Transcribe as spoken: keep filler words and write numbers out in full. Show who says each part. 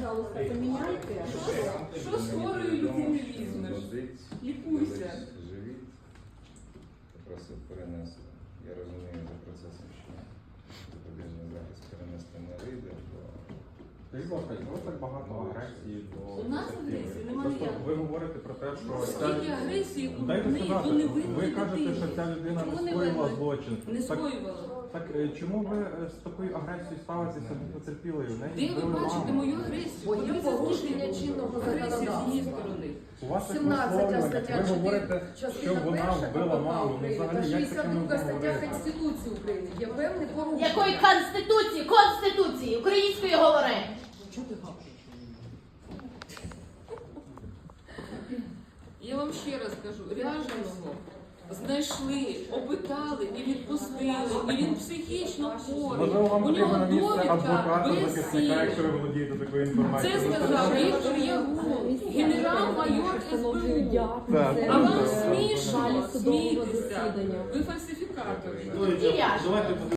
Speaker 1: пожалуйста, поменяйте.
Speaker 2: Що з хворою людини візьмеш? Лікуйся.
Speaker 3: Живіть. Попросив перенести. Я розумію за процесом, що запобіжний захист перенести не вийде, бо
Speaker 4: Скажіть, будь ласка, чому так багато агресії до
Speaker 2: У нас
Speaker 4: дитини?
Speaker 2: агресії немає
Speaker 4: Просто
Speaker 2: ніякої.
Speaker 4: ви говорите про те, що
Speaker 2: Скільки агресії у
Speaker 4: Дайте
Speaker 2: неї
Speaker 4: сказати,
Speaker 2: до невинної
Speaker 4: ви кажете,
Speaker 2: дитини.
Speaker 4: що ця людина
Speaker 2: Чому
Speaker 4: не
Speaker 2: не
Speaker 4: скоїла
Speaker 2: винна?
Speaker 4: злочин.
Speaker 2: Не
Speaker 4: Так,
Speaker 2: скоювала.
Speaker 4: так е, чому ви е, з такою агресією ставитеся до потерпілої? В неї
Speaker 2: Де ви
Speaker 4: збили
Speaker 2: бачите
Speaker 4: маму.
Speaker 2: мою агресію?
Speaker 1: Бо є
Speaker 2: Подивіться,
Speaker 1: порушення
Speaker 2: скільки
Speaker 1: чинного
Speaker 2: агресії з її
Speaker 1: законодавства.
Speaker 2: сторони.
Speaker 4: У вас як
Speaker 1: сімнадцята
Speaker 4: висловлювання,
Speaker 1: стаття
Speaker 4: ви говорите, що
Speaker 1: частина
Speaker 4: вона
Speaker 1: перша
Speaker 4: вбила
Speaker 1: КПК
Speaker 4: маму. Ну,
Speaker 1: України та
Speaker 4: взагалі, як
Speaker 1: шістдесят
Speaker 4: таке
Speaker 1: друга
Speaker 4: можна
Speaker 1: стаття
Speaker 4: говорити?
Speaker 1: Конституції України. Є певне порушення.
Speaker 5: Якої конституції? Конституції! Української говори!
Speaker 2: Я вам ще раз кажу, ряженого знайшли, опитали і відпустили, і він психічно хворий.
Speaker 4: Можливо, вам
Speaker 2: У
Speaker 4: потрібно
Speaker 2: нього
Speaker 4: на місце
Speaker 2: довідка
Speaker 4: адвоката,
Speaker 2: без
Speaker 4: захисника, якщо
Speaker 2: сили.
Speaker 4: ви володієте такою
Speaker 2: Це
Speaker 4: інформацією.
Speaker 2: сказав Віктор Ягун, генерал-майор ес бе у.
Speaker 4: Так,
Speaker 2: А вам
Speaker 4: так, так.
Speaker 2: смішно
Speaker 1: судового
Speaker 2: смійтеся.
Speaker 1: засідання.
Speaker 2: Ви фальсифікатори.
Speaker 5: І ряженого.